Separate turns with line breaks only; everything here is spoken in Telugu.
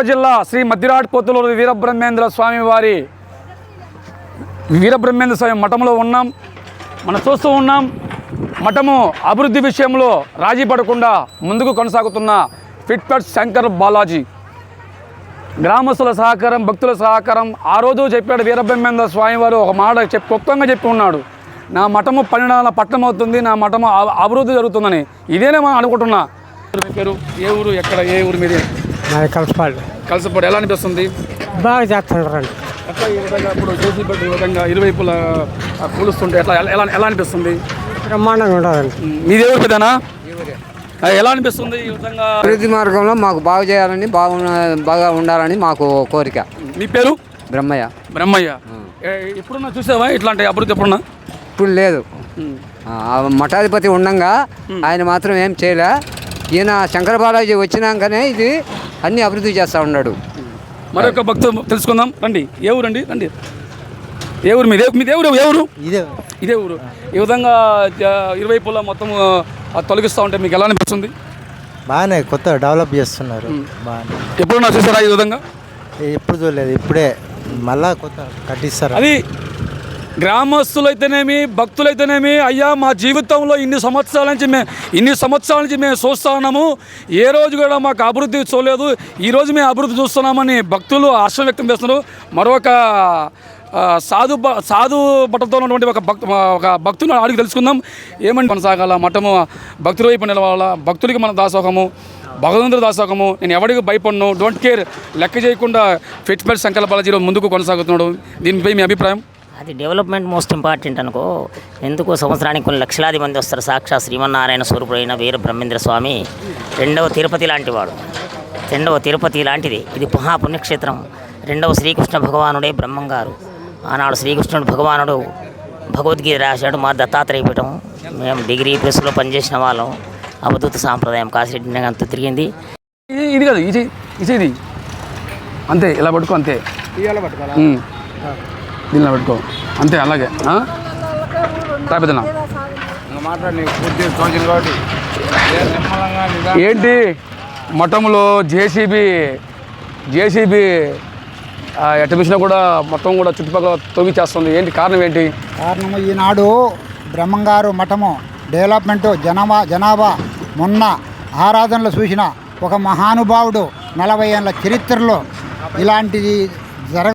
జిల్లా శ్రీ మద్దిరాట్ పోతులూరు వీరబ్రహ్మేంద్ర స్వామి వారి వీరబ్రహ్మేంద్ర స్వామి మఠంలో ఉన్నాం. మనం చూస్తూ ఉన్నాం మఠము అభివృద్ధి విషయంలో రాజీ పడకుండా ముందుకు కొనసాగుతున్న ఫిట్పట్ శంకర్ బాలాజీ. గ్రామస్తుల సహకారం, భక్తుల సహకారం. ఆ రోజు చెప్పాడు వీరబ్రహ్మేంద్ర స్వామి వారు ఒక మాట క్లుప్తంగా చెప్పి ఉన్నాడు, నా మఠము 12 పట్టణం అవుతుంది, నా మఠము అభివృద్ధి జరుగుతుందని. ఇదేనే మనం అనుకుంటున్నా. మీ పేరు, ఏ ఊరు, ఎక్కడ, ఏ ఊరు మీది? కలసపాడు. ఎలా అనిపిస్తుంది?
బాగా చేస్తున్నారు.
ఎట్లా ఈ విధంగా ఇప్పుడు జేసీబీ ఈ విధంగా ఇరువైపులా కూలుస్తుంటే ఎట్లా ఎలా ఎలా అనిపిస్తుంది?
బ్రహ్మాండంగా ఉండాలండి.
మీది ఎవరు పెద్దనా? ఎలా అనిపిస్తుంది ఈ విధంగా?
అభివృద్ధి మార్గంలో మాకు బాగు చేయాలని, బాగా ఉండాలని మాకు కోరిక.
మీ పేరు?
బ్రహ్మయ్య.
బ్రహ్మయ్య. ఎప్పుడున్నా చూసావా ఇట్లాంటి అభివృద్ధి? ఎప్పుడున్నా?
ఇప్పుడు లేదు. మఠాధిపతి ఉండంగా ఆయన మాత్రం ఏం చేయలే. ఈయన శంకర బాలాజీ వచ్చినాకనే ఇది అన్ని అభివృద్ధి చేస్తూ ఉన్నాడు.
మరొక భక్తులు తెలుసుకుందాం. రండి. ఏ ఊరండి? రండి. ఏ ఊరు మీదే? మీది ఏ ఊరు? ఏ ఊరు? ఇదే ఊరు. ఈ విధంగా ఇరువైపులా మొత్తం తొలగిస్తూ ఉంటే మీకు ఎలా అనిపిస్తుంది?
బాగానే కొత్త డెవలప్ చేస్తున్నారు. బాగానే.
ఎప్పుడున్నా చూసారా ఈ విధంగా?
ఎప్పుడు చూడలేదు, ఇప్పుడే మళ్ళా కొత్త కట్టిస్తారు.
అది గ్రామస్తులైతేనేమి, భక్తులైతేనేమి, అయ్యా మా జీవితంలో ఇన్ని సంవత్సరాల నుంచి మేము చూస్తూ ఉన్నాము, ఏ రోజు కూడా మాకు అభివృద్ధి చూడలేదు, ఈరోజు మేము అభివృద్ధి చూస్తున్నామని భక్తులు హర్షం వ్యక్తం చేస్తున్నారు. మరొక సాధు బట్టతో ఉన్నటువంటి ఒక భక్తులు అడిగి తెలుసుకుందాం. ఏమంటే కొనసాగాల మఠము భక్తుల వైపు నిలవాలా, భక్తులకి మన దాసోహము, భగవంతుడి దాసోహము, నేను ఎవరికి భయపడను, డోంట్ కేర్, లెక్క చేయకుండా ఫిట్పట్ శంకర్ బాలాజీలో ముందుకు కొనసాగుతున్నాడు. దీనిపై మీ అభిప్రాయం?
అది డెవలప్మెంట్ మోస్ట్ ఇంపార్టెంట్ అనుకో. ఎందుకు సంవత్సరానికి కొన్ని లక్షలాది మంది వస్తారు. సాక్షాత్ శ్రీమన్నారాయణ స్వరూపుడైన వీర బ్రహ్మేంద్ర స్వామి రెండవ తిరుపతి లాంటిది. ఇది మహాపుణ్యక్షేత్రం. రెండవ శ్రీకృష్ణ భగవానుడే బ్రహ్మంగారు. ఆనాడు శ్రీకృష్ణుడు భగవానుడు భగవద్గీత రాశాడు. మా దత్తాత్రేయ పీఠం. మేము డిగ్రీ ప్రెస్లో పనిచేసిన వాళ్ళం. అవధూత సాంప్రదాయం కాశీరెడ్డి అంతా తిరిగింది.
ఇది కదా ఇది అంతే. ఇలా పట్టుకో, అంతే. దీనిలో పెట్టుకో, అంతే. అలాగే తాపెదనా ఏంటి మఠంలో జేసీబీ ఎటమిషన్ కూడా మొత్తం కూడా చుట్టుపక్కల తొవ్విచేస్తుంది. ఏంటి కారణం? ఏంటి
కారణము? ఈనాడు బ్రహ్మంగారు మఠము డెవలప్మెంటు, జనాభా మొన్న ఆరాధనలు చూసిన ఒక మహానుభావుడు 40 ఏళ్ళ చరిత్రలో ఇలాంటిది